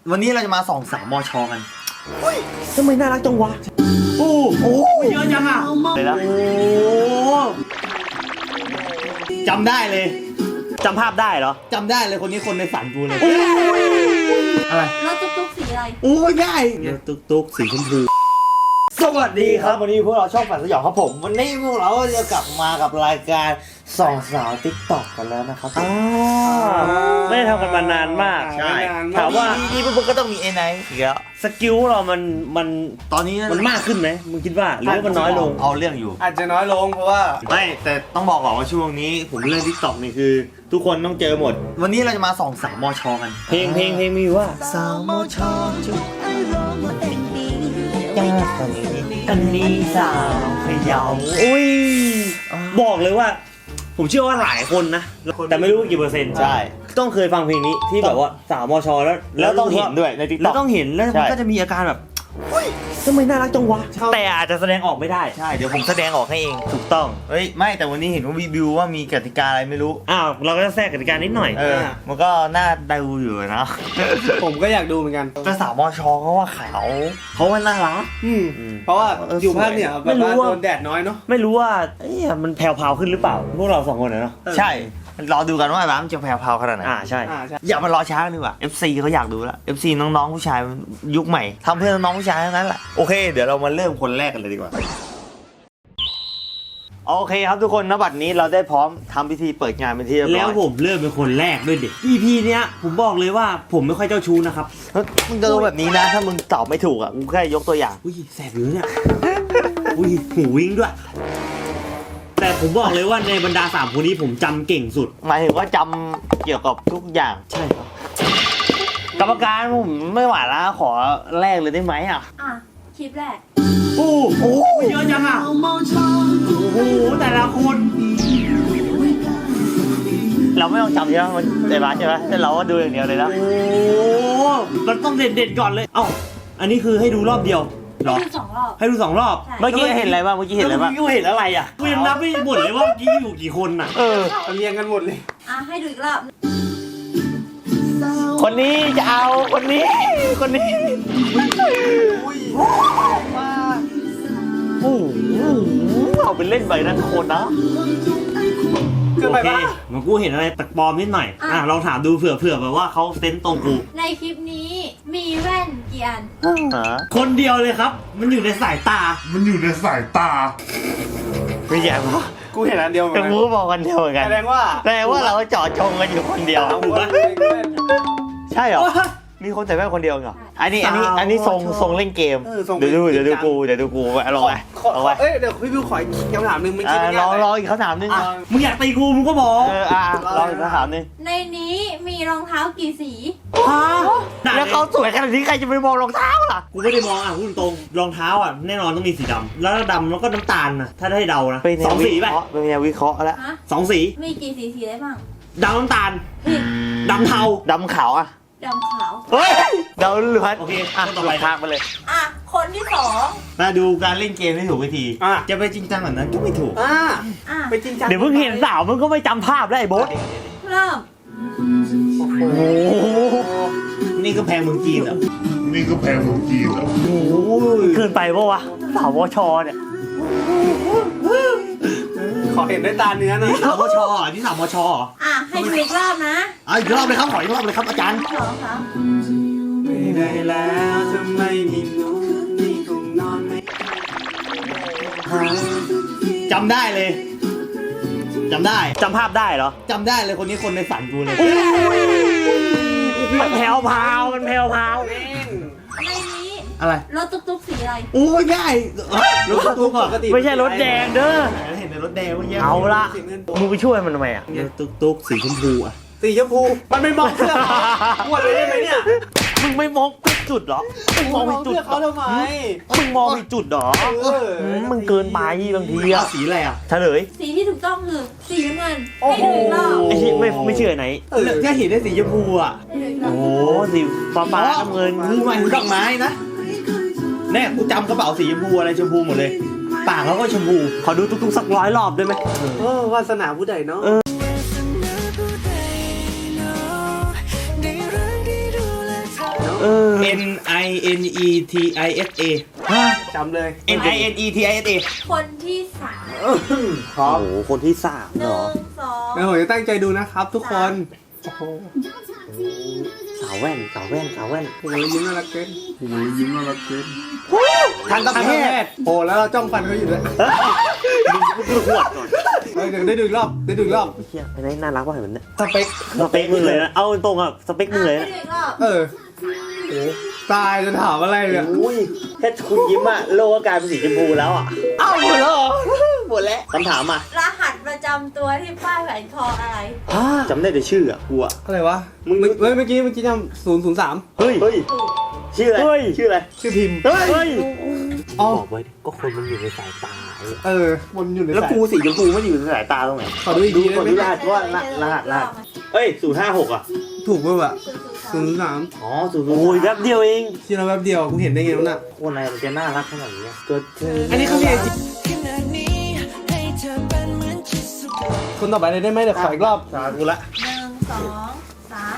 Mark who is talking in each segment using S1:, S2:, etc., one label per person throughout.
S1: วันนี้เราจะมาส่องสาวมชกัน
S2: ทำไมน่ารักจังวะโอ้โหเยอะจังอ่ะ
S1: เลยนะ
S2: โอ้
S1: จำได้เลย
S2: จำภาพได้เหรอ
S1: จำได้เลยคนนี้คนในฝันกูเลยอะไร
S3: แล้วตุ๊กสีอะไร
S1: โอ้ยได้
S2: ตุ๊กสีชมพูสวัสดีครับวันนี้พวกเราช่องฝันสยองครับผมวันนี้พวกเราจะกลับมากับรายการส่องสาวติ๊กต็อกกันแล้วนะครับไม่ได้ทำกันมานานมาก
S1: ใช่
S2: ถามว่า
S1: นี่พวกก็ต้องมีไอ้ไหนอีกแล้ว
S2: สกิลเรามัน
S1: ตอนนี้
S2: มันมากขึ้นไหมมึงคิดว่าหรือว่ามันน้อยลง
S1: เอาเรื่องอยู่
S4: อาจจะน้อยลงเพราะว่า
S1: ไม่แต่ต้องบอกก่อนว่าช่วงนี้ผมเล่นทิกตอกนี่คือ ทุกคนต้องเจอหมด วันนี้เราจะมาส่องสาวมชกัน
S2: เพลงมีว่า
S1: สาวมชจุด
S2: อันนี้สาวพะเยาอุ้ยบอกเลยว่า ผมเชื่อว่าหลายคนนะแต่ไม่รู้กี่เปอร์เซ็นต์
S1: ใช่
S2: ต้องเคยฟังเพลงนี้ที่แบบว่าสาวมชแล้ว
S1: ต้องเห็นด้วยในทิกต
S2: แล้
S1: อ
S2: ว
S1: ก
S2: ต้องเห็นแล้ว
S1: ใช่
S2: มันก็จะมีอาการแบบทำไมน่ารักจังวะแต่อาจจะแสดงออกไม่ได้
S1: ใช่เดี๋ยวผมแสดงออกให้เอง
S2: ถูกต้อง
S1: เฮ้ยไม่แต่วันนี้เห็นว่าวิวว่ามีกติกาอะไรไม่รู้
S2: อ้าวเราก็จะแทรกกติกานิดหน่อย
S1: มันก็น่าดูอยู่นะ
S4: ผมก็อยากดูเหมือนกัน
S1: แต่สาวมชเขาว่าขาวเขาว่าน่ารัก
S4: เพราะว่าอยู่ภาคเหนือ
S2: ไม่
S4: แบบ
S2: รู้
S4: ว่า
S2: ว่า
S4: โดนแดดน้อยเนาะ
S2: ไม่รู้ว่ามันแผ่วๆขึ้นหรือเปล่าพวกเราสองคนเนาะ
S1: ใช่รอดูกันว่าบ้ามจะแผ่วๆขนาดไหน
S2: ใช่
S4: ใช่
S1: อย่ามารอช้าดีกว่า FC เขาอยากดูแล้ว FC น้องๆผู้ชายยุคใหม่ทำเพื่อน้องๆผู้ชายทั้งนั้นแหละโอเคเดี๋ยวเรามาเริ่มคนแรกกันเลยดีกว่าโอเคครับทุกคนณบัดนี้เราได้พร้อมทำพิธีเปิดงานเป็นที่เรียบร้อย
S2: แล้วผมเริ่มเป็นคนแรกด้วยดิ EP เนี้ยผมบอกเลยว่าผมไม่ค่อยเจ้าชู้นะครับ
S1: มึงจะรู้แบบนี้นะถ้ามึงตอบไม่ถูกอ่ะกูแค่ยกตัวอย่าง
S2: อุ้ยแสบอยู่เนี่ยอุ้ยหูวิ่งด้วย แต่ผมบอกเลยว่าในบรรดา3คนนี้ผมจำเก่งสุด
S1: หมายถึงว่าจำเกี่ยวกับทุกอย่าง
S2: ใช่ครับ
S1: กรรมการผมไม่ไหวแล้วขอแรกเลยได้ไหมอ่ะ
S3: อ่ะ คลิปแรก
S2: โอ้โหเยอะจังอ่ะโอ้โหแต่ละคน
S1: เราไม่ต้องจำใช่ไหมมันในร้านใช่ไหมแต่เราก็ดูอย่างเดียวเลยนะ
S2: โอ้มันต้องเด็ดๆก่อนเลยเอ้าอันนี้คือให้ดูรอบเดียวเหรอ
S3: ดู2 รอบ
S2: ให้ดู2 รอบ
S3: ใช่
S1: เมื่อกี้เห็นอะไรบ้างเมื่อกี้เห็นอะไรบ้าง
S2: เมื่อกี้เห็นอะไรอ่ะกูยังนับไม่หมดเลยว่าเมื่อกี้อยู่กี่คนอ่ะ
S4: มันเรียงกันหมดเลย
S3: อ่ะ ให้ดูอีกรอบ
S1: คนนี้จะเอาคนนี้คนนี้โอ้โหเอาไปเล่นไปนั่นโคนนะ
S4: เกิน
S2: โอ
S4: ไป
S2: เค
S4: ปะ
S2: มันกูเห็นอะไรตักปลอมนิดหน่อยลองถามดูเผื่อแบบว่าเขาเซนส์ตรงกู
S3: ในคลิปนี้มีแว่นกี่อัน
S2: คนเดียวเลยครับ มันอยู่ในสายตา
S1: ไม่ใช่ปะ
S4: กูเห็นอันเดียวเหมือน
S1: แต่
S4: กัน
S1: กูก็บอกกันเดียวเหมือนกัน
S4: แสดงว่า
S1: เราเจาะจงกันอยู่คนเดียว
S4: เอาหัว
S1: ใช่เหรอมีคนใส่แว่นคนเดียวเหรออันนี้ทรงเล่นเกมเดี๋ยวดูกูลองไปลองไป
S4: เอ้ยเดี๋ยวพี่บิวขออีกคำถามหนึ่งมันคิดไม่
S1: ร
S4: ยา
S1: อก
S4: เลย
S1: รออีกคำถามนึง
S2: มึงอยากตีกูมึงก็บอก
S1: รออีกคำถามนึง
S3: ในนี้มีรองเท้ากี่สี
S2: ฮะ
S1: แล้วเขาสวยขนาดนี้ใครจะไปมองรองเท้าล่ะ
S2: กูไม่ได้มองพูดตรงรองเท้าแน่นอนต้องมีสีดำแล้วดำแล้วก็น้ำตาลนะถ้าได้เดานะ2 สีไป
S1: เป็นแนววิเคราะห์แล้ว
S3: ฮะ
S2: 2 สี
S3: มีกี่สีได้บ้าง
S2: ดำน้ำตาล
S3: ผิด
S2: ดำเทา
S1: ดำขาวอ่ะ
S3: ดำขาว
S1: เฮ้ยเดาล้วน
S2: โอเค
S1: ต่อไปทางไปเลย
S3: อ่ะ คนที่
S1: มาดูการเล่นเกมให้ถูกวิธี จะไปจริงจังแบบนั้นก็ไม่ถูก
S3: อ่ะ
S4: ไปจริงจัง
S2: เดี๋ยวมึงเห็นสาวมึงก็ไม่จำภาพได้ไอ้โบ๊ท
S3: เริ่ม
S1: โอ้โห
S2: นี่ก็แพงเมืองจีนเหรอ
S1: โอ้ย
S2: เกินไปปะวะสาววชเนี่ย
S4: ขอเห็นด้วยตาเนื้อหน่อย
S2: นี่สาววชนี่สาววช
S3: อ่ะ ให้ดูอีกรอบนะ
S2: อีกรอบเลยครับขออีกรอบเลยครับอาจารย์
S3: สองครับ
S4: ไม่ได้แล้วทำไมมีน้องนี่คงนอนไม่
S2: จำได้เลยจำได้จำภาพได้เหรอ
S1: จำได้เลยคนนี้คนในฝันกูเลย
S2: มันแผ่วพาวมันแผ่วพาว
S3: ในนี้
S1: อะไร
S3: รถตุ๊กสีอะไร
S1: โอ้ยง่ายรถตุ๊กก่อน
S2: ไม่ใช่รถแดงเด้อ
S1: เห็นในรถแดงเมื่อกี้
S2: เอาละ
S4: สีเงิน
S2: มึงไปช่วยมันทำไมตุ๊กสีชมพูอ่ะ
S4: สีชมพูมันไม่มองเสื้อเขาปวดเลยได้ไหมเนี่ย
S2: มึงไม่มองผิดจุดเหรอมึงมองผิดจุด
S4: เสื้อเขาทำไม
S2: มึงมองผิดจุดเหรอ มึงเกินไปบางทีอะสีอะไรอะเฉลย
S3: สีที่ถูกต้องคือสีน้ำเงิน ให้ดูอีกรอบ
S2: ไอ้ที่ไม่เชื่อไหน
S1: แค่เห็นได้สีชมพูอ่ะ
S3: ให้ดูอีกรอ
S2: โอ้
S3: บ
S2: โหสีฟ้าน้ำเงิน
S1: มึงหมายถึงดอกไม้นะแน่กูจำกระเป๋าสีชมพูอะไรชมพูหมดเลย ปากเขาก็ชมพู
S2: ขอดูตุ๊กสัก100 รอบได้ไหม
S4: วาสนาผู้ใดเนาะ
S2: เ
S4: N I N E T I S A จำเลย
S2: N I N E T I S A
S3: คนที่สาม
S2: พร้อม
S1: โอ้โหคนที่3
S3: ห
S1: เหร
S3: นึ่
S1: อง
S3: สอง
S4: แล้วผมจะตั้งใจดูนะครับทุกคน
S1: สาวแว่น
S4: โอ้ยยิ้มน่ารักเกิน
S2: ทันตแพทย์
S4: โอ้แล้วเราจ้องฟันเขาอยู่ด้วย
S1: มึงคือหวดก่อน
S4: เดี๋ยวได้ดูอีกรอบ
S1: เฮียไอ้นี่น่ารักว่ะเห็นมันเนี่ย
S4: สเปค
S1: สเปคมึงเลยนะเอาตรงอ่ะสเปคมึงเลย
S3: ให้
S1: นะ
S3: ดูอีกรอบ
S4: โอ้ตายจะถามอะไรเนี่ย
S1: อุ้ยแค่คุณยิ้มอ่ะโลกก็กลายเป็นสีชมพูแล้วอ่ะ
S2: เอ้าหมดแล้วเหรอหมดแล้ว
S1: คำถามอ่ะ
S3: รหัสประจำตัวที่ป้ายแหวนคออะไร
S1: จำได้แต่ชื่ออ่ะกูอ่ะ
S4: อะไรวะเมื่อกี้จำ003
S1: เฮ้ย
S3: ถูก
S1: ชื่ออะไรชื่ออะไร
S4: ชื่อพิมพ์
S1: เฮ้ย
S4: อ๋อ
S1: บอกไว้ดิก็คนมันอยู่ในสายตา
S4: มันอยู่ใน
S1: แล้ว
S4: สาย
S1: กูสีชมพูมันอยู่ในสายตาตรงไหน
S4: ขอดูอีกทีได้
S1: ขอ
S4: ไหม
S1: ดูรหัสว่ารหัสเฮ้ย056อ่ะ
S4: ถูกป่ะวะ
S3: 003
S1: อ๋อ0โอ้ยแป๊บเดียวเอง
S4: ที่เราแป๊บเดียวกูเห็นได้ไงวะน่ะ
S1: คนอะไรมันจะน่ารักขนาดนี้ตัวเธอ
S4: อันนี้เขาเรียกคนต่อไปเลยได้ไหมเดี๋ยวขออีกรอบ
S1: สาธุละ
S3: 1 2 3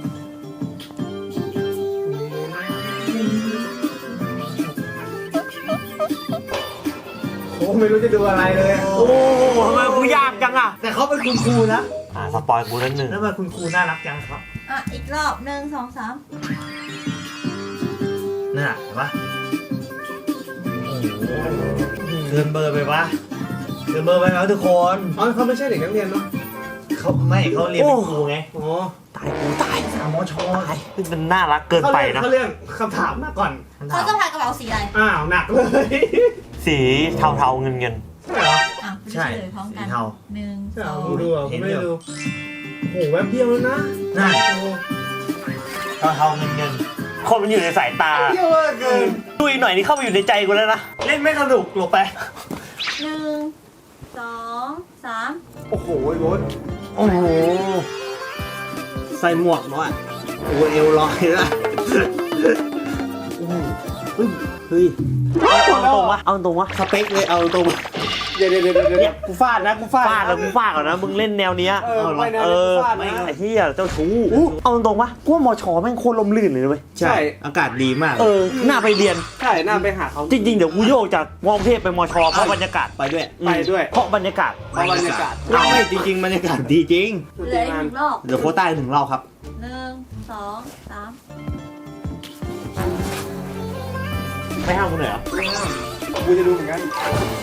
S4: โอ้ไม่รู้จะดูอะไรเลย
S1: โอ้โหทำไมกูยากจังอ่ะ
S2: แต่เขาเป็นคุณครูนะ
S1: สปอยกูแล้วหนึ่ง
S2: แล้วทำไมคุณครูน่ารักจังครับ
S3: อ่ะ อีกรอบ 1 2 3
S2: น่ะเห็นปะเกินเบอร์ไปปะเกินเบอร์ไปแล้วทุกคน
S4: อ๋อเขาไม่ใช่เด็กนักเรียนเนาะ
S2: เขาไม่เขาเรียนเป็นครูไง
S4: อ๋อ
S1: ตายกูตาย
S2: สามช
S1: มันน่ารักเกินไปนะ
S4: เขาเรียกคำถามมาก่อน
S3: เขาจะพายกระเป๋าสีอะไร
S4: อ้าวหนักเลย
S1: สีเทาๆเงิน
S4: ใช่เหรอ
S3: อ่ะไม่
S2: ใช่
S3: ได้เฉลยพร้อมกัน
S2: สีเทา
S3: 1
S4: ใช่เหรอ
S3: 2
S4: กูดูอ่ะกูไม่ได้ดูโอ้โหแวบเดียวแล้วนะ
S2: นั่น
S4: โอ้โห
S2: เทาเงิน
S1: ๆคนมันอยู่ในสายตา
S4: เดียวมากเกิน
S1: ดูอีกหน่อยนี่เข้าไปอยู่ในใจกูแล้วนะ
S2: เล่นไม่สนุกหลบไป
S3: 1 2 3
S4: โอ้โหไอ้โบ๊ท
S2: โอ้โห
S4: ใส่หมวกมาอ่ะโอ้โหเอวลอยละ
S1: เฮ้ยเอาตรงวะเอาตรงวะ
S4: สเปคเลยเอาตรงเดี๋ยวกูฟาดนะกูฟาด
S1: ฟาดแล้วกูฟาดก่อนนะมึงเล่นแนวเนี้ย
S4: ไม่แนว
S1: เอ
S4: นี้
S1: อ
S4: กูฟาดนะ
S1: ไอ้เหี้ยเจ้าชู้เอาตรงวะกูว่ามชแม่งโคตรลมลื่นเลยนะเว้ย
S2: ใช่ อากาศดีมาก
S1: น่าไปเรียน
S4: ใช่น่าไปหาเขา
S1: จริงๆเดี๋ยวกูโยกจากมอกรุงเทพไปมชเพราะบรรยากาศ
S2: ไปด้วย
S4: ไปด้วย
S1: เพราะบรรยากาศ
S4: เพราะบรรยากาศ
S2: เอาไม่จริงๆบรรยากาศดีจริง
S3: เหลืออีกหนึ่งรอบ
S2: เดี๋ยวโค้ชใต้ถึงเราครับ
S3: 1 2 3
S1: ไม่ห้ามกูหน่อยเหรอ
S4: กูจะดูเหมือนกัน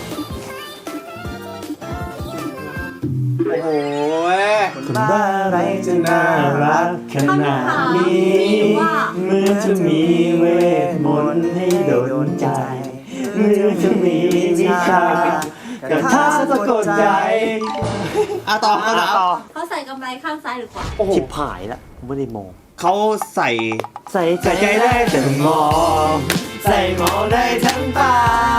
S4: โอ้โห
S1: คนบ้าอะไรจะน่ารักข
S3: คำ
S1: นาด
S3: ถาม
S1: นี้
S3: มีว่า
S1: เมื่อจะมีเวทมนต์ให้โดนใจ เมื่อจะมีวิชากระทาสะกดใจ
S2: ต่อ
S1: ต่อ
S3: เขาใส่กำไรข้างซ้ายหรือขวา
S4: โอ้โห
S1: ชิบหายแล้วไม่ได้มอง
S2: เขาใส่
S1: ใส่
S2: ใส่ใจได้แต่มอง ใส่มองได้ทั้งตา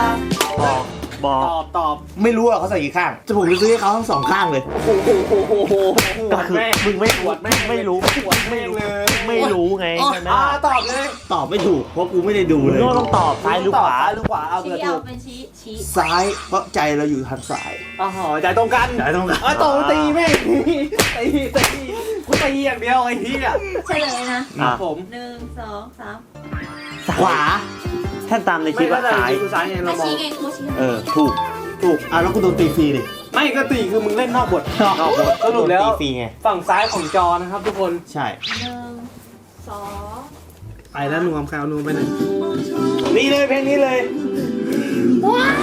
S1: บอก
S4: ตอบ
S2: ไม่รู้อะเขาใส่กี่ข้าง จะผมจะซื้อให้เขาทั้งสองข้างเลย
S4: โอ้โห
S1: ก็คือมึงไม่รู้ไม่รู้
S4: ไม่เลย
S1: ไม่รู้ไงใช่ไหม
S4: ตอบเลย
S2: ตอบไม่ถูก เพราะกูไม่ได้ดู
S1: มึง
S2: เลย
S1: ก็ต้องตอบซ้ายหรือขวา
S4: หรือขวาเอาเผื่
S3: ชี้
S4: อ
S3: เอา
S4: ถูก
S3: เป็นชี้
S2: ซ้ายเพราะใจเราอยู่ทางซ้าย
S4: อ๋อใจตรงกัน
S2: ใจตรงกัน
S4: ตรงตีแม่งตีกูตีอย่างเดียวไอ้ที่อ่ะ
S3: เฉลยนะ
S4: ผม
S3: 1 2 3
S2: ขวา
S1: ถ้าตามในคลิปว่าซ้าย
S4: กูซ้ายไงเรา
S3: ถ้าม
S4: อง
S3: ชี้ไงกูชี้
S1: ถูก
S2: ถูกแล้วกูโดนตีฟรีดิ
S4: ไม่ก็ตีคือมึงเล่นนอกบท
S2: นอกบท
S4: สรุปแล้ว
S2: โดนตีฟรีไง
S4: ฝั่งซ้ายของจอนะครับทุกคน
S2: ใช่
S3: 1 2
S4: ไปแล้วนูมแคลนูไปไหน
S2: นี่เลยเพลงนี้เลย
S3: ว้าว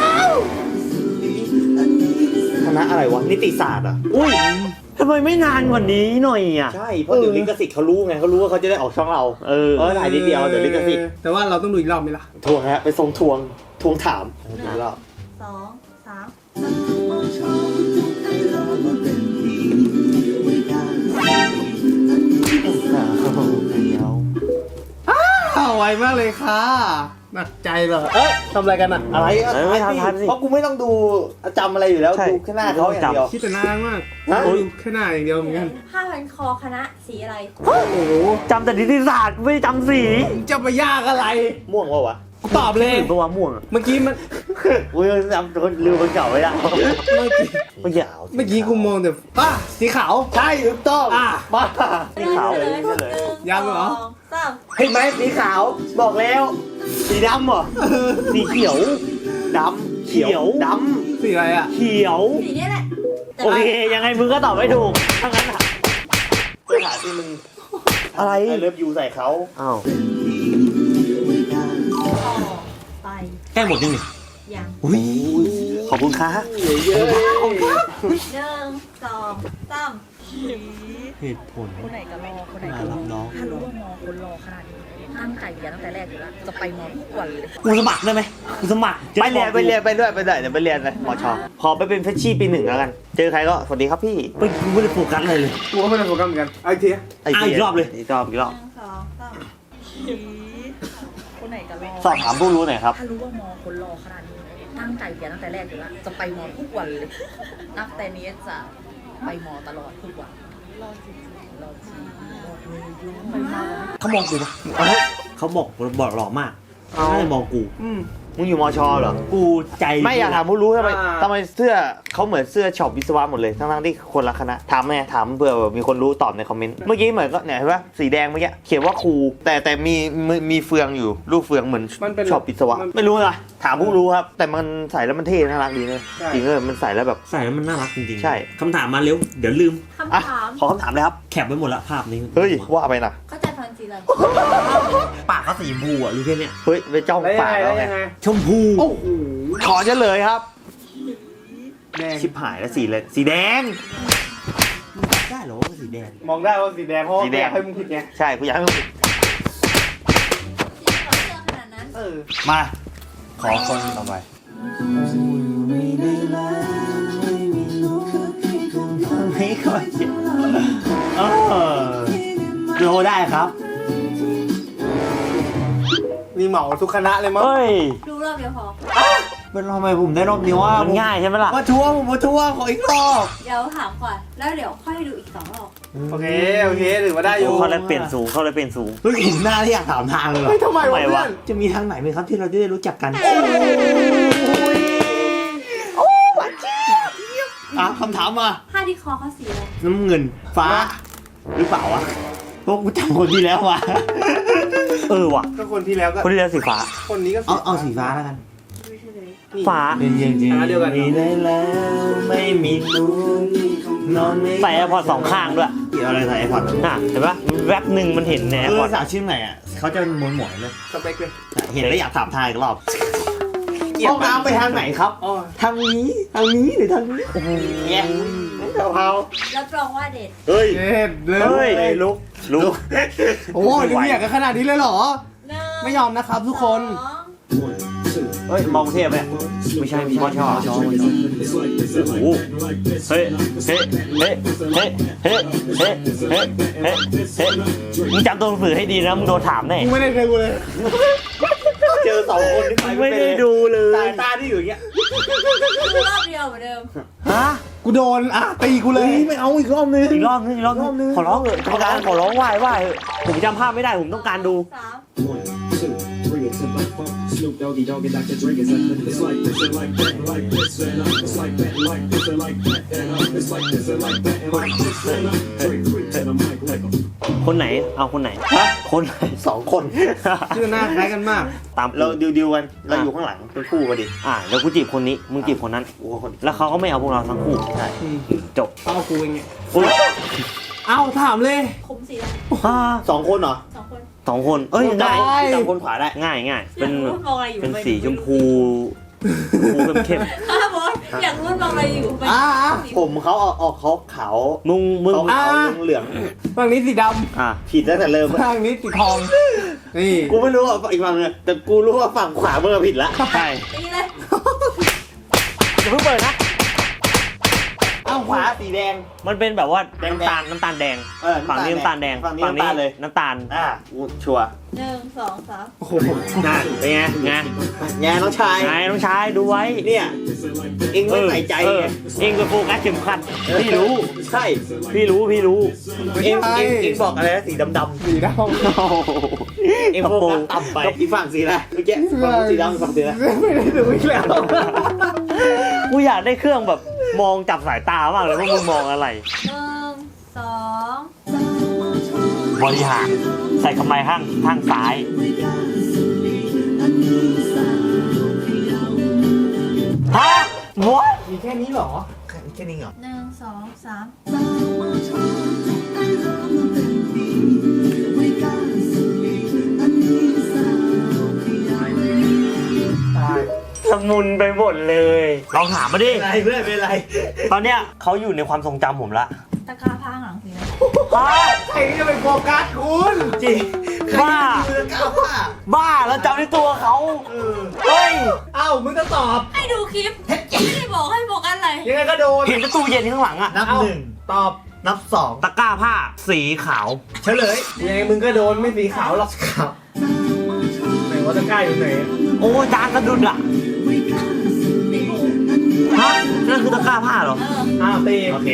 S2: คณะอะไรวะ นิติศาสตร์อ่ะ
S1: อุ้ยทำไมไม่นานกว่านี้หน่อยอ่ะ
S2: ใช่ เพราะเดี๋ยวลิขสิทธิ์เขารู้ไงเขารู้ว่าเขาจะได้ออกช่องเรา ถ่ายนิดเดียวเดี๋ยวลิขสิทธิ์
S4: แต่ว่าเราต้องดูอีกรอบไหมล่ะ
S2: ทวงฮะไปทวงถามอีกรอบ
S3: 2 3
S4: ไวมากเลยค่ะหนักใจเหรอเอ้ยทำอะไรกันอ่ะ
S2: อะไร
S1: ไม่ทันสิ
S2: เพราะกูไม่ต้องดูจำอะไรอยู่แล้ว
S1: ใช่
S2: ดูแค่หน้าเขาอย่างเดียว
S4: คิดแต่น่ารักมาก
S2: ฮะ
S4: โอ้ยแค่หน้าอย่างเดียวเหมือนกัน
S3: ผ้าพันคอคณะสีอะไร
S4: โอ้โห
S1: จำแต่นิติศาสตร์ไม่จำสี
S4: จะไปยากอะไร
S2: ม่วงวะวะ
S4: กูตอบเลย
S1: หรือตัวม่วงอะ
S4: เมื่อกี้มัน
S1: อุ้ยจำคนลืมคนเก่าไว้ละ
S4: เมื่อกี้
S1: ไม่อยาก
S4: เมื่อกี้กูมองแต่สีขาว
S2: ใช่ถูกต้อง
S4: อ่ะ
S2: บ้า
S1: สีขาว
S3: เฉลย
S1: เฉลย
S3: 1
S4: ยังเหรอ
S3: 2 3 สาม
S2: เห็นไหมสีขาวบอกแล้ว
S1: สีดำเหรอ
S2: สีเขียว
S1: ดำเขียวด
S4: สีอะไรอ่ะ
S2: เขียว
S3: สีนี้แหละแต่
S2: โอเคยังไงมึงก็ตอบไม่ถูกทั้งนั้นอ่ะ
S1: ำปัญหาที่มึง
S2: อะไร
S1: ไอเลิฟยูใส่เขา
S2: อ้าว
S3: ต่อไป
S2: แก้หมดยังนี่
S3: ยัง
S2: อุ้ยขอบคุณค่ะ
S4: เยอะ
S3: หนึ่งสองสาม
S2: เหตุผล
S5: คนไหนก็รอ คนไหน
S2: มา
S5: ก็ร
S2: รั
S5: อบ
S2: น้อง
S5: ถ้ารู้ว่ามอคนรอขนาดนี้ตั้งใจเรียนตั้งแต่แรกอยู่แล้ว จะไปมอทุกวันเลย
S2: กูสมัครได้ไหมกูสมัคร
S1: ไปเรียนเดี๋ยวไปเรียนเลยมชขอไปเป็นเฟชชี่ปีหนึ่งแล้วกัน เจอใครก็สวัสดีครับพี่
S2: ไม่กูไม่ได้โฟกัสอะไรเลย
S4: กูก็ไม่ได้โฟกัสเหมือนกันไอ้เทีย
S2: อีกรอบเลย
S1: อีกรอบ
S3: หนึ่งสองสาม
S5: คนไหนก็รอ
S1: สอบถามผู้รู้หน่อยครับ
S5: ถ้ารู้ว่ามอคนรอขนาดนี้ตั้งใจเรียนตั้งแต่แรกอยู่แล้ว จะไปมอทุกวันเลย นับแต่นี้จะไปมอตลอดทุกวัน รอจริงๆรอจริงรอเลยไปมอ
S2: เขามองกูปะเขาบอกหล่อมาก
S1: เอา
S2: น่าจะมองกู
S1: มึงอยู่มชเหรอ
S2: กูใจ
S1: ไม่อยากถามผู้รู้ทำไมเสื้อเขาเหมือนเสื้อช็อปวิศวะหมดเลยทั้งที่คนละคณะถามไหมถามเผื่อมีคนรู้ตอบในคอมเมนต์เมื่อกี้เหมือนก็เนี่ยเห็นปะสีแดงเมื่อกี้เขียนว่าครูแต่มีเฟืองอยู่ลูกเฟืองเหมือน
S4: มันเป็น
S1: ช็อปวิศวะไม่รู้นะถามผู้รู้ครับ แต่มันใส่แล้วมันเท่น่ารักดีเลยจริงเลยมันใส่แล้วแบบ
S2: ใส่แล้วมันน่ารักจริงๆ
S1: ใช่
S2: คำถามมาเร็ว เดี๋ยวลืม
S1: อ่ะ
S3: คำถาม
S1: ขอคำถามเลยครับ
S2: แคปไว้หมดละภาพนี้
S1: เฮ้ยว่าไปนะ
S3: เข้าใจฟังสีอะไร
S2: ปากเขาสีชมพูอ่ะรู้แค่เนี้ย
S1: เฮ้ยไปจ้อง
S4: แล้วยัง
S1: ปาก
S4: ไง
S1: แล้
S4: แล้ว ว
S1: ไง
S4: ยังไง
S2: ชมพู
S4: โอ้โห
S1: ขอเฉลยครับ
S4: แดง
S1: ชิบหายแล้วสีเลยสีแดง
S2: ได้เหรอว่าสีแดง
S4: มองได้ว่าสีแดงเพราะว่า
S1: สีแดง
S4: อยากให้มึงผิดไง
S1: ใช่กูอยากให้มึง
S3: สีขาวเสื้อขนาดนั้น
S4: เออ
S1: มาขอคนต่อไปไม่ค่อย
S2: โลได้ครับ
S4: นี่เหมาทุกคณะเลยมั้ง
S1: เฮ้ย
S3: ดูรอบเดียวพอ
S2: เป็นทำไมผมได้รอบนี้ว่า
S1: มันง่ายใช่ไหมล่ะ
S2: มาทัวร์ผมมาทัวร์ขออีกรอบ
S3: เดี๋ยวถามก่อน แล้วเดี๋ยวค่อยดูอีกสองรอบ
S4: โอเคถือว่าได้อยู่
S1: เขาเลยเปลี่ยนสูงเขาเลยเปลี่ยนสูง
S2: เฮ้ยเห็นหน้าที่อยากถามทางเลยเหรอ
S4: เฮ้ยทำไม
S1: ทำไม
S4: วะ
S1: วะ
S4: เพื่อน
S2: จะมีทางไหนไหมครับที่เราจะได้รู้จักกันอ่ะคำถามมา
S3: ผ้าที่คอเขาสีอะไร
S2: น้ำเงินฟ้า หรือเปล่าวะพวกกูจำคนที่แล้ววะ
S1: เออว่ะ
S4: ก็คนที่แล้วก็
S1: คนที่แล้วสีฟ้า
S4: คนนี้ก็
S2: เอาสีฟ้าแล้วกัน
S3: ไม่ใช่เลย
S4: นี่
S1: ฟ้า
S2: เป็นจริง
S4: เดียวกัน
S2: ได้แล้วไม่มีรู้นอนไม่
S1: ใส่แอร์พอร์ตสองข้างด้วย
S2: เกี่ยวอะไรใส่ไอพอด
S1: น่ะเห็นปะแวบหนึ่งมันเห็นในแอร์พอร์ต
S2: สาวชื่อไหนอ่ะเขาจะม้วนหมวยเลย
S4: สเปคเลย
S2: เห็นแล้วอยากถามทายอีกรอบห้องน้ำไปทางไหนครับ
S4: อ๋อ
S2: ทางนี้หรือทางนี้โอ้โห
S1: เนี่ย
S4: เผา
S3: รับรองว่าเด็ด
S1: เฮ้ย
S4: เด็ดเลย
S1: เฮ้ยลุก
S4: โอ้ยดูอยากกันขนาดนี้เลยเหรอ
S3: หนึ่ง
S4: ไม่ยอมนะครับทุกคน
S3: สอง
S1: เฮ้ยมองเทพไหมไม่ใช่มอชอโอ้โหเฮ้ยเฮ้ยเฮ้ยเฮ้ยเฮ้ยเฮ้ยเฮ้ยเฮ้ยเฮ้ยมึงจำตัวหนังสือให้ดีนะมึงโดนถามแน่
S4: กูไม่ได้ดูเลย
S1: เจอสองคนที่ไปไม่ได้ดูเลย
S2: สายตาที่อยู่อย่างเงี้ย
S3: ดูรอบเดียวเหมือนเดิม
S1: ฮะ
S4: กูโดนอ่ะตีกูเลย
S2: ไม่เอาอีกรอบนึง
S1: อีกรอบนึงขอร้องเถอะกรรมการขอร้องไหว้เถอะผมจำภาพไม่ได้ผมต้องการดู
S3: สาม
S6: 1, 2, 3, it's a black funk. Snoop Doggy Dogg and Dr. Dre is up. It's like this and like that, like this and it's like that, like this and like that, and it's like this and like that, and like this and Dre quick to the mic like a
S1: คนไหนเอาคนไหนคนไหนสองคน
S4: ชื่อหน้าคล้ายกันมาก
S1: ตามเราดิวกันเราอยู่ข้างหลังเป็นคู่กันดิเดี๋ยวกูจีบคนนี้มึงจีบคนนั้นแล้วเขาก็ไม่เอาพวกเราทั้งคู่ใช่จบ
S4: เอากูเองเนี่ย
S1: อุ้ย
S4: เอาถามเลย
S3: ผมสีอะไร
S1: สองคนเหรอ
S3: สองคน
S1: สองคนเอ้ย
S4: ได้
S1: ง่ายจับคนขวาได้ง่ายเป็น
S3: อยากรู้ว่ามองอะไรอยู่
S1: เป็นสีชมพูเข้ม
S3: ครับบอสอยากรู้ว่ามองอะไรอยู่ไป
S1: ผมเขาออกเขาขาวมึงขาวเหลือง
S4: ฝั่งนี้สีด
S1: ผิดตั้งแต่เริ่ม
S4: ำฝั่งนี้สีทอง นี่
S1: กูไม่รู้ว่าอีกฝั่งนึงแต่กูรู้ว่าฝั่งขวามึงผิดละใช่
S3: ตีเลย
S1: อย่าเพิ่งเปิดนะเอาขวาสีแดงมันเป็นแบบว่าน้ำตาลแดงฝั่งนี้น้ำตาลแดงฝั่งนี้น้ำตาลชัวร์
S3: หนึ่งสองสาม
S4: โอ้โห
S1: น่าเป็นไงน้องชายดูไว้เนี่ยเองไม่ใส่ใจเองไปโฟกัสเข็มขัดพี่รู้ใช่พี่รู้เองบอกอะไรนะสีดำ
S4: สีดำ
S1: เองโฟกัสต่ำไปอีฝั่งสีอะไรเมื่อกี้ฝั่งสีดำฝั่งสีอะไร
S4: ไม่ได้ดูอีกแล้ว
S1: กูอยากได้เครื่องแบบมองจับสายตามากเลยว่ามึงมองอะไร
S3: หนึ่งสอง
S1: บริหาร
S2: ส่กำไรข้างซ้ายฮะวะ
S1: มีแค่นี้เหรอ
S2: แค่นี้เหรอ
S3: 1 2 3
S2: สมุนไปหมดเลยลองถามมาดิ
S1: อะไรเพื่อนเป็นไร
S2: ตอนเนี้ยเขาอยู่ในความทรงจำผมละ
S3: ตะกร้าผ้าข้างหลังสีอะไร
S1: ใครจะไปโฟกัสคุณจริง
S2: บ้า
S1: ใครจะไปก้าวว่า
S2: บ้าแล้วจำในตัวเขาเฮ้ย
S1: เอ้ามึงก็ตอบ
S3: ให้ดูคลิปไม่ได้บอกให้บอกอะไร
S1: ยังไงก็โดน
S2: เห็นประตูเย็นข้างหลังอะ
S1: นับ 1 ตอบ นับ
S2: ตะกร้าผ้าสีขาว
S1: 2 เฉลย ยังไงมึงก็โดนไม่สีขาวหรอกครับไหนว่าตะกร้าอยู่ไหน
S2: โอ้ยจานกระดุดอะฮะนั่นคือตะกร้าผ้าเหรอ
S1: อ้าวตี
S2: โอเค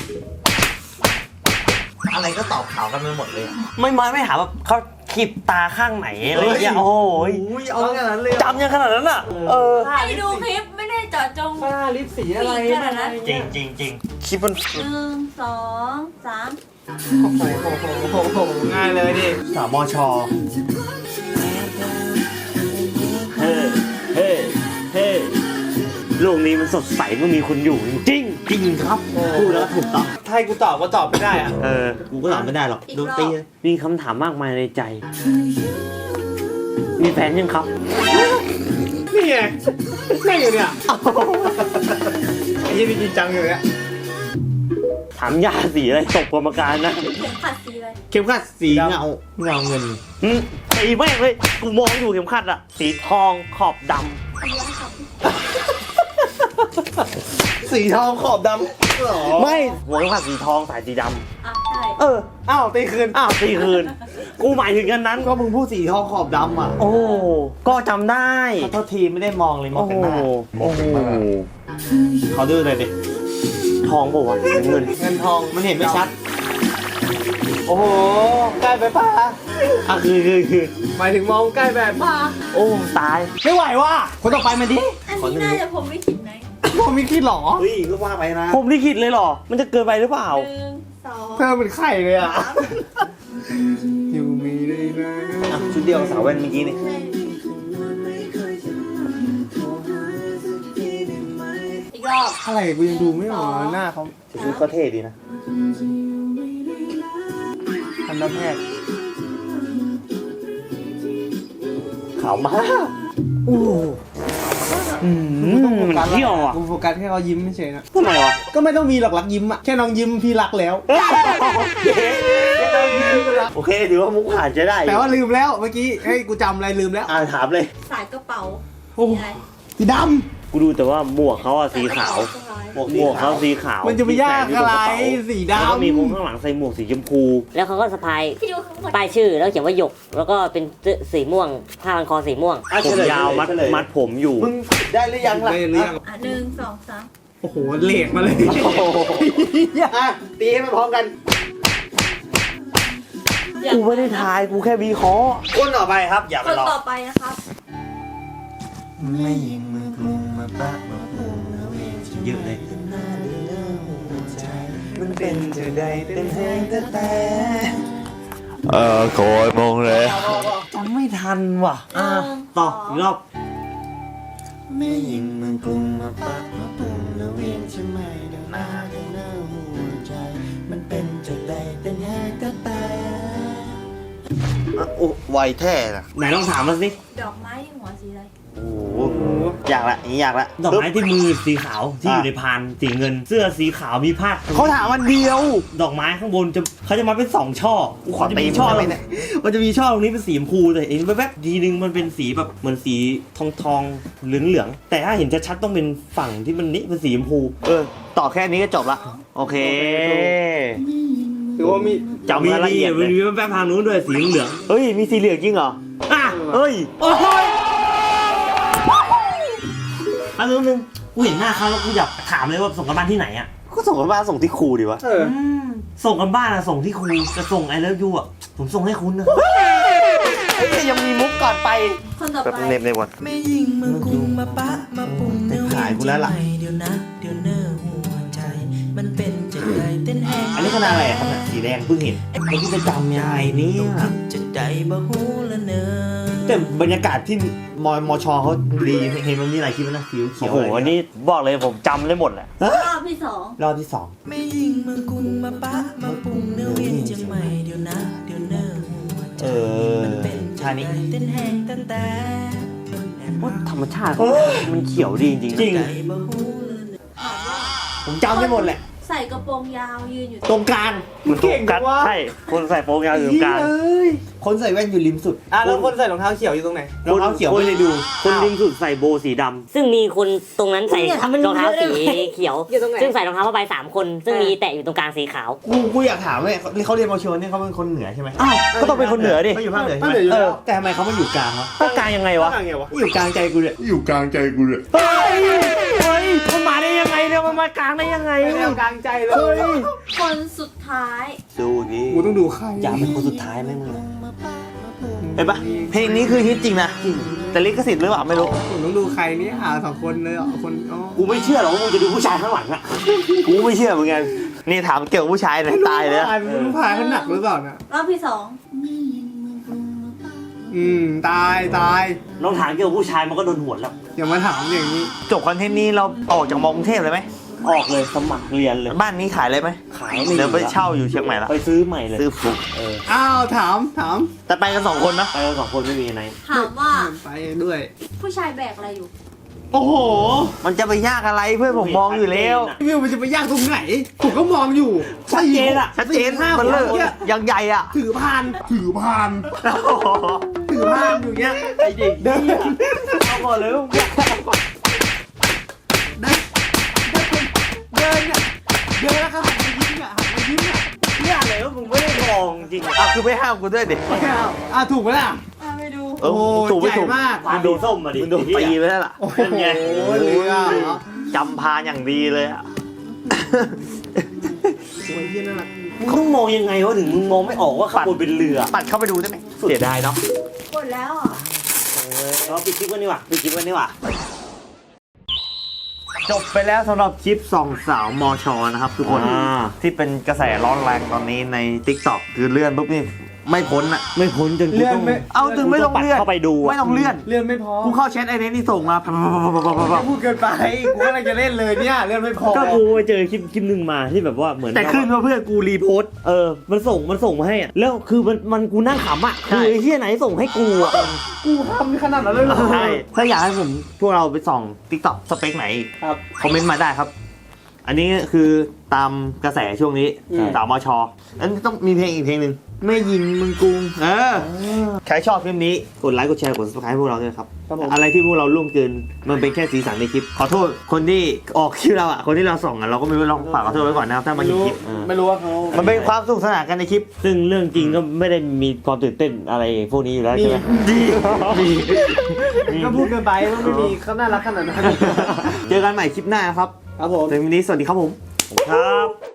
S1: อะไรก็ตอบขาวกันไปหมดเลย
S2: ไม่หาแบบเขาขีบตาข้างไหนอะไรเงี้ยโอ้โห
S1: อุ้ยเอาขนาดนั้นเลย
S2: จำยังขนาดนั้นอะเออ
S3: ให้ดูคลิปไม่ได้เจาะจง
S1: ผ้าลิปสีอะไร
S3: สีขนาดนั้น
S2: จริงคลิปมัน
S3: 1 2 3
S1: โอ้โหง่ายเลยดิ
S2: สามชเฮ้เฮ้โลกนี้มันสดใสเมื่อมีคุณอยู่จริงครับพูดแล้วถูกต้อง
S1: ถ้าให้กูตอบก็ตอบไม่ได้อะ
S2: กูก็ตอบไม่ได้หรอก
S3: อีก
S2: โดน
S3: รอบ
S2: ตีมีคำถามมากมายในใจ มีแฟนยังครับ
S1: นี่ไงนั่งอยู่เนี่ยไอ้ยี่นี่จริงจังอยู่เนี่ย
S2: ถามยาสีอะไรตกกรรมการนะ
S3: เข็มขัดสีอะไร
S2: เข็มขัดสีเงาเงินสีแม่งเลยกูมองอยู่เข็มขัดอะสีทองขอบด
S3: สีอะไรครับ
S1: สีทองขอบดำหรอ
S2: ำไม่หัวเข็มขัดสีทองสายสีด
S3: อ่ะใช่
S2: ำ
S1: อ้าวตีคืน
S2: อ้าวตีคืน กูหมายถึงกันนั้น
S1: ก็มึงพูดสีทองขอบดำอ่ะ
S2: โอ้ก็จำได้
S1: ขอโทษทีไม่ได้มองเลยมอง
S2: โอ้
S1: กันหน้า
S2: โอ้โห
S1: เขาดื้อเลยดิ
S2: ทองบอกว่าเงิน
S1: เงินทองมันเห็นไม่ชัด โอ้โหใกล้ไปป่ะ
S2: อ่ะคือ
S1: หมายถึงมองใกล้แบบป่ะ
S2: โอ้ตาย
S1: ไม่ไหวว่ะคนต่อไปมาดิ
S3: อันนี้น่าจะผมไม่คิดไหน
S1: มองมีคิดหรอ
S2: เฮ้ยก็ว่าไปนะ ผมลิขิตเลยเหรอ มันจะเกินไปหรือเปล่า
S3: 1 2
S1: เธอเป็นไข่เลยอ่ะอยู่มีได้นะ
S2: ชุดเดียวสาวแว่นเมื่อกี้นี่
S3: อีกรอบ
S1: อะไรกูยังดูไม่ออกหน้าเขา
S2: ชุดก็เท่ดีนะ
S1: ทันตแพทย์
S2: ขาวมากอู้มันเที่ยวอ่ะ
S1: กูโฟกัสแค่เขายิ้มไม่เฉยนะ
S2: ทำไมวะ
S1: ก็ไม่ต้องมีหรอกรักยิ้มอ่ะแค่น้องยิ้มพี่รักแล้ว
S2: โอเคถือว่ามุกผ่านจะได้
S1: แต่ว่าลืมแล้วเมื่อกี้ให้กูจำอะไรลืมแล้ว
S2: ถามเลย
S3: สายกระเป๋า
S1: โอ้
S3: สีอะไร
S1: สีด
S2: กูดูแต่ว่าหมวกเขาอะสีขาว หมวกเขาสีขาว
S1: ำมันจะไปยากอะไรสี
S2: แล้วก็
S1: ดำ
S2: มีคนข้างหลังใส่หมวกสีชมพู
S7: แล้วเขาก็สะพาย
S3: พี่ดูข้างบน
S7: ป้ายชื่อแล้วเขียนว่าหยก แล้วก็เป็นเสื้อสีม่วงผ้าพันคอสีม่วง
S2: ผมยาวมัดผมอยู่
S1: มึงได้หรือยังล่ะ
S3: อ่ะ1 2 3
S1: โอ้โหเลดมาเลย
S2: อ่ะตีให้มันพร้อมกัน กูไม่ได้ทาย กูแค่วิเคราะห์คนต่อไปครับ อย่า
S3: ค
S2: ไป
S3: น
S2: รอ
S3: ต่อไปนะครับ
S1: ไม่ยิงมือกลุ่มมาปะมาปูมาเวท
S2: เยอะเลย
S1: มันเป็นจะได้เป็นแห้งแต่
S2: โกยมงเลยจำไม่ทันว่ะต่ออีกรอบ
S1: ไม่ยิงมือกลุ่มมาปะมาปูมาเวทใช่ไหมเดินหน้าเดินหน้าหัวใจ มันเป็นจะได้เป็นแห้งแต่
S2: โอ้ไวแท้นะไหนลองถามมาสิ
S3: ดอกไม้ที่หัวสีอะไร
S2: โอ้โหอยากละอย่างนี้อยากละดอกไม้ที่มือสีขาวที่อยู่ในพานสีเงิน เสื้อสีขาวมีผ้าเขาถามวันเดียว ดอกไม้ข้างบนเขาจะมาเป็น2ช่อกูขอตีช่อเลยมันจะมีช่อตรงนี้เป็นสีชมพูแต่เองแวบๆทีนึงมันเป็นสีแบบเหมือนสีทองเหลืองแต่ถ้าเห็นชัดๆต้องเป็นฝั่งที่มันนี่เป็นสีชมพูต่อแค่นี้ก็จบละโอเค
S1: ถือว่ามี
S2: จำรายละเอียดมันมีแป๊บๆทางนู้นด้วยสีเหลืองเฮ้ยมีสีเหลืองจริงเหรอเฮ้ยโอ้ยอันนึงกูเห็นหน้าเขาแล้วกูอยากถามเลยว่าส่งกันบ้านที่ไหนอ่ะก็ส่งกันบ้านส่งที่ครูดีวะส่งกันบ้านอะส่งที่ครูจะส่งไอเลิฟยูอ่ะผมส่งให้คุณนะยังมีมุกก่อนไป
S3: คนต่อ
S2: แบบ
S3: ไป
S2: เน็บในวัน
S8: ไม่ยิงมือกุมมาปะมาปุ่มเนื้อ
S2: ขายกูแล้วล่ะ
S8: เดี๋ยวนะเดี๋ยวเนื้อหัวใจ มันเป็นจะ
S2: อันนี้คณะอะไรครับเนี่ยสีแดงเพิ่งเห็นแล้วพี่จะจำยังไงเนี่ยแต่บรรยากาศที่มชเขาดีเห็นมันมีหลายคลิปนะเขียวเขี
S1: โอ้
S2: ยว
S1: โหอันนี้บอกเลยผมจำได้หมดแหละ
S3: รอบที่สอง
S2: รอบที่สอง
S8: ไม่ยิงเมืองกรุงมาปะมาปรุงเนื้อเวียนเชียงใหม่เดี๋ยวนะเดี๋ยวเนอ
S2: ชานี้
S8: เต้นแห้งตั้งแต่
S1: ว่าธรรมชาติเขามันเขียวดีจริงๆนะ
S2: จริง
S8: ใจบ่ฮู้เลย
S3: ถามว่า
S2: ผมจำได้หมดแหละ
S3: ใส่กระโปรงยาวยืนอยู่
S2: ตรงกลาง
S1: มันตรงกันใช่คนใส่โปรงยาวอยู่ตรงกลาง
S2: คนใส่แว่นอยู่ริมสุด
S4: แล้วคนใส่รองเท้าเขียวอยู่ตรงไหน
S2: รองเท้าเขียวไม่ได้ดู
S1: คนริมสุดใส่โบว์สีด
S7: ซึ่งมีคนตรงนั้นใส่รองเท้าสีเขียว
S5: อยู่ตรงไหน
S7: ซึ่งใส่รองเท้าผ้าใบ3 คน ซึ่งมีแตะอยู่ตรงกลางสีขาว
S2: กูอยากถามเลยเขาเรียนมชเนี่ยเขาเป็นคนเหนือใช่ไหม
S1: ำอ้าวก็ต้องเป็นคนเหนือดิ
S2: เขาอยู่ภาคเหนือใช่
S4: ภาค
S2: ไห
S4: เหนืออยู่
S2: ม
S4: แล้ว
S2: แต่ทำไมเขามาอยู่กลางวะ
S1: ภาคกลางยังไงวะ
S4: ว่าไงวะ
S2: อยู่กลางใจกูเนี่ย
S1: เฮ้ยมันมาได้ยังไงเนี่ยมันมากลางได้ยังไง
S4: ไม่ได้เอากลางใจเลย
S3: คนสุดท้าย
S2: ดูดิ
S4: กูต้องดูใคร
S2: อยากเป็นคนสุดท้ายไหมมึงเห็นปะเพลงนี้คือฮิตจริงนะแต่ลิขสิทธิ์หรือเปล่าไม่รู้
S4: ผมต้องดูใครนี่หาสองคนเลยอ่ะคนอ๋อ
S2: กูไม่เชื่อหรอกว่ามึงจะดูผู้ชายข้างหลังอะกูไม่เชื่อเหมือนกันนี่ถามเกี่ยวกับผู้ชายหน่อยตายเลยนะ
S4: ตายไม่รู้พายเขาหนักหรือเปล่านะ
S3: รอบที่สอง
S4: ตาย
S2: น้องถามเกี่ยวกับผู้ชายมันก็โดนหวนแล้ว
S4: อย่ามาถามอย่างนี้
S2: จบคอนเทนต์นี้เราออกจากมอกรุงเทพเลยไหม
S1: ออกเลยสมัครเรียนเลย
S2: บ้านนี้ขายเลยไหม
S1: ขายไม่
S2: เดี๋ยวไปเช่าอยู่เชียงใหม่ละ
S1: ไปซื้อใหม่เลย
S2: ซื้อฟุก
S4: อ้าวถาม
S2: แต่ไปกัน2 คนนะ
S1: ไปกัน2 คนไม่มีไหน
S3: ถามว่า
S4: ไปด้วย
S3: ผู้ชายแบกอะไรอยู่
S4: โอ้โห
S2: มันจะไปยากอะไรเพื่อนผมมองอยู่แล้ว
S4: วิวมันจะไปยากตรงไหนผมก็มองอยู่
S2: ชัดเจนอะชัดเจน
S4: 4-5
S2: มันเลิก
S4: คนเนี่ย
S2: ยังใหญ่อะ
S4: ถือพานอยู่เงี้ย
S2: ไอ้เด็กเดินเอาก่อนเลย
S4: เดินแล้วก็หันมายิ้มอ่ะ
S2: เนี่ยอะไรวะมึงไม่ได้มองจริงอ่ะคือไม่ห้ามกูด้วยเด็ก
S4: ถูกไหมล่ะ
S3: ไม่ดู
S2: เออถูกไม่ถูก
S4: ใหญ่มาก
S1: มันโดนส้มมาดิ
S2: มึงโดนตีไปแล้วล่ะ
S1: เป็นไง
S4: โอ้เรือเหรอ
S2: จำพาอย่างดีเลยอะ
S4: โอ้ยเยี่ยน่ารัก
S1: มึงต้องมองยังไงวะถึงมึงมองไม่ออกว่าข้างบนเป็นเรือ
S2: ปัดเข้าไปดูได้ไหมเสียดายเนาะ
S3: กดแล้วอ่ะ
S1: เราปิดคลิปกันดีกว่าปิดคลิปกันดีกว่า
S2: จบไปแล้วสำหรับคลิปสองสาวมชนะครับทุกคน ที่เป็นกระแสร้อนแรงตอนนี้ใน TikTok คือเลื่อนปุ๊บนี่ไม่พ้นอะ
S1: ไม่พ้นจนกูต้อง
S2: เอาถึงไม่ต้องเลื่อน
S1: เข้าไปดู
S2: ไม่ต้องเลื่อน
S4: เลื่อนไม่พอ
S2: กูเข้าแชทไอ้นี่ส่งมา
S4: จะพูดเกินไปกูกำลังจะเล่นเลยเนี่ยเลื่อนไม่พอ
S1: ก็กูไปเจอคลิปหนึ่งมาที่แบบว่าเหมือน
S2: แต่ขึ้นว่าเพื่อนกูรีโพสต์
S1: มันส่งมาให้อะแล้วคือมันกูนั่งขำอ่ะ
S2: ใช่
S1: คือไอ้เหี้ยไหนส่งให้กูอ่ะ
S4: กูทำขนาดนั้นเลยเหรอ
S2: ใช่ถ้าอยากให้ผมพวกเราไปส่อง TikTok สเปคไหน
S4: ครับ
S2: คอมเมนต์มาได้ครับ อันนี้คือตามกระแสช่วงนี้สาวมชอันนี้ต้องมีเพลงอีกเพลงหนึ่งไม่ยิงมึงกรุงใครชอบคลิปนี้กดไลค์กดแชร์กด subscribe พวกเราด้วยครับ
S4: ครับผม
S2: อะไรที่พวกเราล่วงเกินมันเป็นแค่สีสันในคลิป ขอโทษคนที่ออกคลิปเราอ่ะคนที่เราส่องอ่ะเราก็ไม่รู้ลองฝากขอโทษไว้ก่อนนะครับถ้ามา
S4: ไม่
S2: เห็น
S4: รู้
S2: คลิป
S4: ไม่รู้ว่าเขา
S2: มันเป็นความสนุกสนานกันในคลิป
S1: ซึ่งเรื่องจริงก็ไม่ได้มีความตื่นเต้นอะไรพวกนี้อยู่แล้วใช่ไหม
S4: ก็พูดเกินไปว่าไม่มีเขาน่ารักขนาดนั้น
S2: เจอกันใหม่คลิปหน้าครับ
S4: ครับผม
S2: ถึงวันนี้สวัสดีครับผม
S1: ครับ